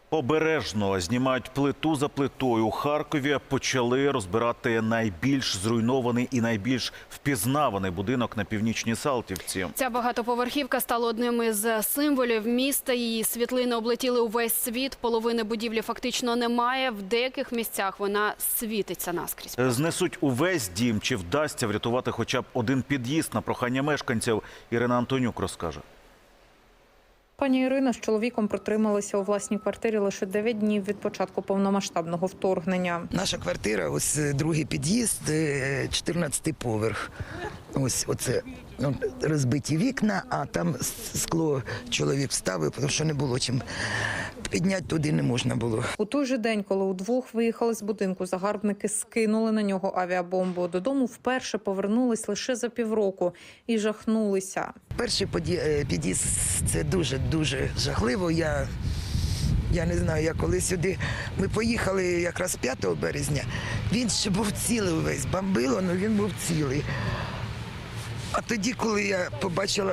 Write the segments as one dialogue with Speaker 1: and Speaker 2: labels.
Speaker 1: Обережно знімають плиту за плитою. У Харкові почали розбирати найбільш зруйнований і найбільш впізнаваний будинок на Північній Салтівці.
Speaker 2: Ця багатоповерхівка стала одним із символів міста. Її світлини облетіли увесь світ. Половини будівлі фактично немає. В деяких місцях вона світиться наскрізь.
Speaker 1: Знесуть увесь дім. Чи вдасться врятувати хоча б один під'їзд? На прохання мешканців Ірина Антонюк розкаже.
Speaker 3: Пані Ірина з чоловіком протрималися у власній квартирі лише 9 днів від початку повномасштабного вторгнення.
Speaker 4: Наша квартира, ось другий під'їзд, 14-й поверх. Ось оце розбиті вікна, а там скло чоловік вставив, тому що не було чим підняти, туди не можна було.
Speaker 3: У той же день, коли удвох виїхали з будинку, загарбники скинули на нього авіабомбу. Додому вперше повернулись лише за півроку і жахнулися.
Speaker 4: Перший під'їзд – це дуже жахливо. Я не знаю, я коли сюди, ми поїхали якраз 5 березня, він ще був цілий увесь, бомбило, але він був цілий. А тоді, коли я побачила,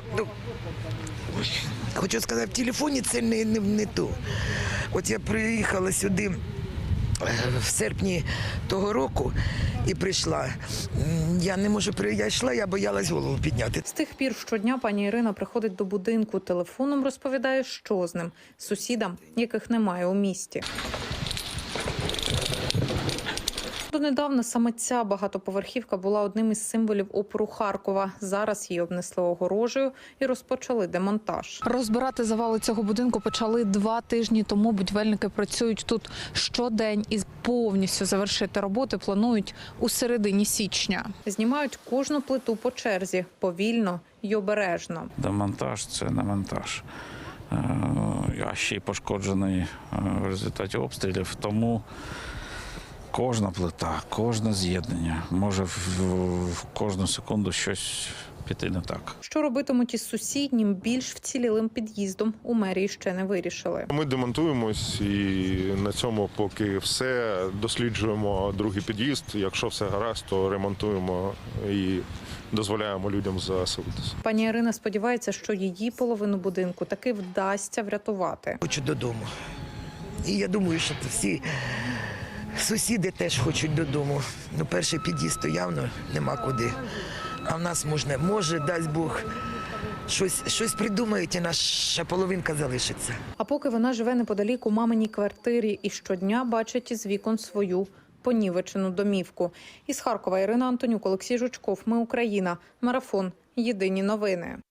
Speaker 4: хочу сказати, в телефоні це не то. От я приїхала сюди в серпні того року і прийшла. Я не можу, я йшла, я боялась голову підняти.
Speaker 3: З тих пір щодня пані Ірина приходить до будинку, телефоном розповідає, що з ним. Сусідам, яких немає у місті. Донедавна саме ця багатоповерхівка була одним із символів опору Харкова. Зараз її обнесли огорожею і розпочали демонтаж.
Speaker 5: Розбирати завали цього будинку почали 2 тижні тому. Будівельники працюють тут щодень і повністю завершити роботи планують у середині січня.
Speaker 3: Знімають кожну плиту по черзі, повільно й обережно.
Speaker 6: Демонтаж – це не монтаж. А ще й пошкоджений в результаті обстрілів, тому кожна плита, кожне з'єднання може в кожну секунду щось піти не так.
Speaker 3: Що робитимуть із сусіднім, більш вцілілим під'їздом, у мерії ще не вирішили.
Speaker 7: Ми демонтуємось і на цьому поки все. Досліджуємо другий під'їзд. Якщо все гаразд, то ремонтуємо і дозволяємо людям заселитися.
Speaker 3: Пані Ірина сподівається, що її половину будинку таки вдасться врятувати.
Speaker 4: Хочу додому. І я думаю, що всі сусіди теж хочуть додому. Перший під'їзд то явно нема куди. А в нас може, дасть Бог, щось придумають і наша половинка залишиться.
Speaker 3: А поки вона живе неподалік у маминій квартирі і щодня бачить із вікон свою понівечену домівку. Із Харкова Ірина Антонюк, Олексій Жучков. Ми Україна. Марафон. Єдині новини.